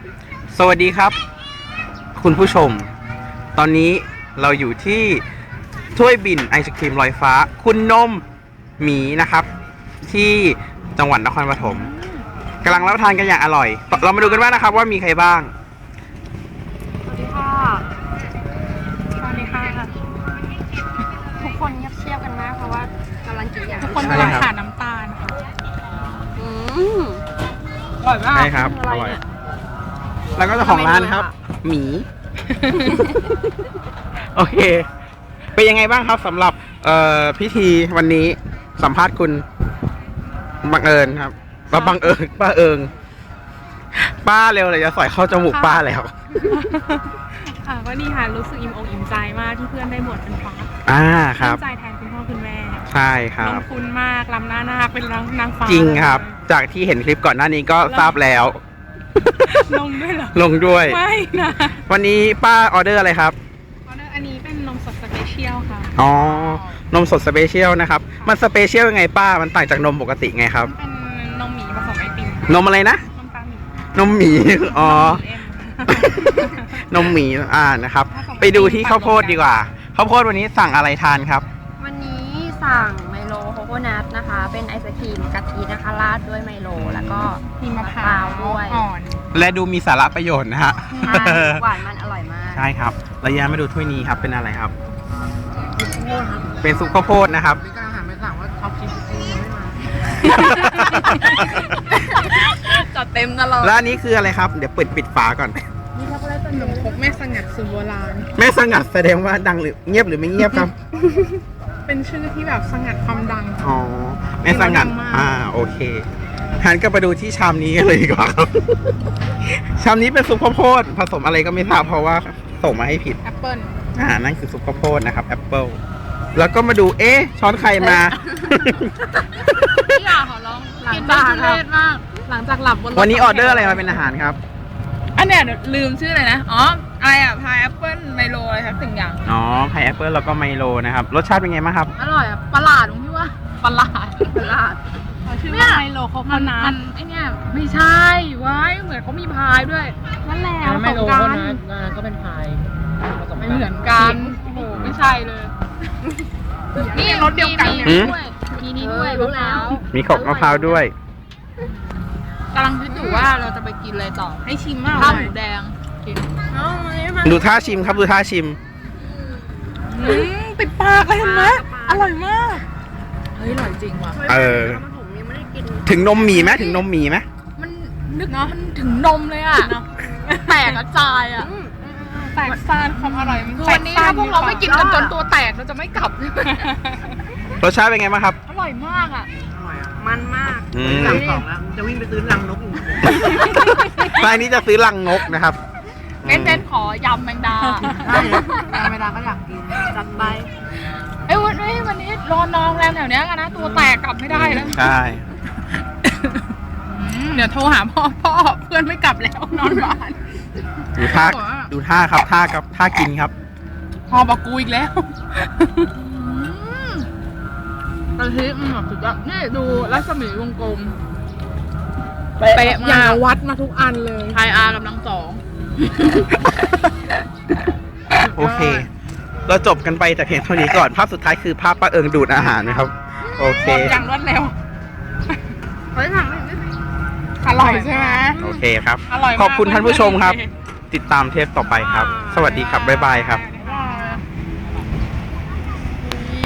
สวัสดีครับคุณผู้ชมตอนนี้เราอยู่ที่ถ้วยบินไอศครีมลอยฟ้าคุณนมหมีนะครับที่จังหวัดนครปฐมกำลังรับประทานกันอย่างอร่อยเรามาดูกันว่านะครับว่ามีใครบ้างสวัสดีค่ะสวัสดีค่ะทุกคนเงียบเชียบกันมากเพราะว่ากำลังกินอย่างทุกคนกำลังขาดน้ำตาลค่ะอร่อยมากใช่ครับอร่อยแล้วก็เจ้าของร้านครับหมี โอเคเป็นยังไงบ้างครับสำหรับพิธีวันนี้สัมภาษณ์คุณบังเอิญครับบังเอิญป้าเอิงป้าเร็วเลยจะสอยเข้าจมูกป้าแล้วค่ะก็ดีค่ะรู้สึกอิ่มอกอิ่มใจมากที่เพื่อนได้บวชเป็นพระครับใจแทนคุณพ่อคุณแม่ใช่ครัลบงทุนมากลำหน้านาคเป็นนางฟ้าจริงครับ จากที่เห็นคลิปก่อนหน้านี้ก็ทราบแล้วลงด้วยเหรอลงด้วยไม่นะวันนี้ป้าออเดอร์อะไรครับออเดอร์อันนี้เป็นนมสดสเปเชียลค่ะอ๋อนมสดสเปเชียลนะครับมันสเปเชียลยังไงป้ามันต่างจากนมปกติไงครับเป็นนมหมีผสมไอติมนมอะไรนะนมตาหมีนมหมี อ๋อนมหมีเอ็มนมหมีนะครับ ไปดูที่ข้าวโพดดีกว่าข้าวโพดวันนี้สั่งอะไรทานครับวันนี้สั่งไมโลโคโคนัทนะคะ เป็นไอศครีมกะทินะคะราดด้วยไมโลแล้วก็มีมะพร้าวด้วยอ่อนและดูมีสาระประโยชน์นะฮะใช่หวานมันอร่อยมากใช่ครับระยะมาดูถ้วยนี้ครับเป็นอะไรครับ เป็นซุปข้าวโพดนะครับพี่กำลังหันไปถามว่าท็อปชิปยังไม่มาจัดเต็มตลอดแล้วอันนี้คืออะไรครับ เดี๋ยวปิดฝาก่อนนี่ช็อกโกแลตเป็นนมครกแม่สงัดสูตรโบราณแม่สงัดแสดงว่าดังหรือเงียบหรือไม่เงียบครับเป็นชื่อที่แบบสงัดความดังอ๋อแม่สงัดดังมากโอเคหันก็ไปดูที่ชามนี้กันเลยดีกว่าครับ ชามนี้เป็นซุปข้าวโพดผสมอะไรก็ไม่ทราบเพราะว่าส่งมาให้ผิดแอปเปิ้ลนั่นคือซุปข้าวโพดนะครับแอปเปิลแล้วก็มาดูช้อนใครมาพี่อยากขอร้องกินได้ทุเรศมาก หลังจากหลับบนรถวันนี้ออเดอร์อะไรมาเป็นอาหารครับอันเนี้ยเดี๋ยวลืมชื่อเลยนะ อ๋ออะไรอ่ะพายแอปเปิ้ลไมโลอะไรครับสิ่งอย่างอ๋อพายแอปเปิลแล้วก็ไมโลนะครับรสชาติเป็นไงบ้างครับอร่อยอ่ะประหลาดตรงที่ว่าประหลาด ชื่อว่าไมโลโคโคนัทไอเนี่ยไม่ใช่ว้ายเหมือนเขามีพายด้วยนั่นแหละไม่รู้กัว่าน นั้นก็เป็นพายผสไม่เหมือนกันโอ้โหไม่ใช่เลย นี่รสเดียวกันเนี่ยหืมด้วยมีนี่ด้วยมะพร้าวมีขบมะพร้าวด้วยกำลังคิดอยู่ว่าเราจะไปกินอะไรต่อให้ชิมมากข้าวหมูแดงกินดูท่าชิมครับดูท่าชิมติดปากเลยเห็นไหมอร่อยมากเฮ้ยอร่อยจริงว่ะถึงนมหมีไหมถึงนมหมีไหมมันนึกมันถึงนมเลยอ่ะแตกกระจายอ่ะแตกซ่านความอร่อยมันวันนี้ถ้าพวกเราไม่กินกันจนตัวแตกเราจะไม่กลับรสชาติเป็นไงบ้างครับอร่อยมากอ่ะอร่อยอ่ะมันมากอืมสั่งสองแล้วจะวิ่งไปซื้อรังนกอีกรายนี้จะซื้อลังนกนะครับเน้นๆขอยำแมงดาเวลาก็อยากกินจัดไปเอ้ยวันนี้รอนองแรมแถวเนี้ยกันนะตัวแตกกลับไม่ได้แล้วใช่เดี๋ยวโทรหาพ่อเพื่อนไม่กลับแล้วนอนบ้านดูท่าครับท่ากินครับพ่อบอกกูอีกแล้วกะทิมันแบบสุดยอดนี่ดูรัศมีวงกลมเป๊ะอมาย่างกวัดมาทุกอันเลยไทยอาร์กำลังสองโอเค เราจบกันไปแต่เพียงเท่านี้ก่อน ภาพสุดท้ายคือภาพป้าเอิงดูดอาหารนะครับ โอเคอย่างรวดเร็วเฮ้ยสั่งไม่อร่อยใช่ไหมโอเคครับอร่อยมากขอบคุณท่านผู้ชมครับ ติดตามเทปต่อไปครับ สวัสดีครับ บ๊ายบายครับได้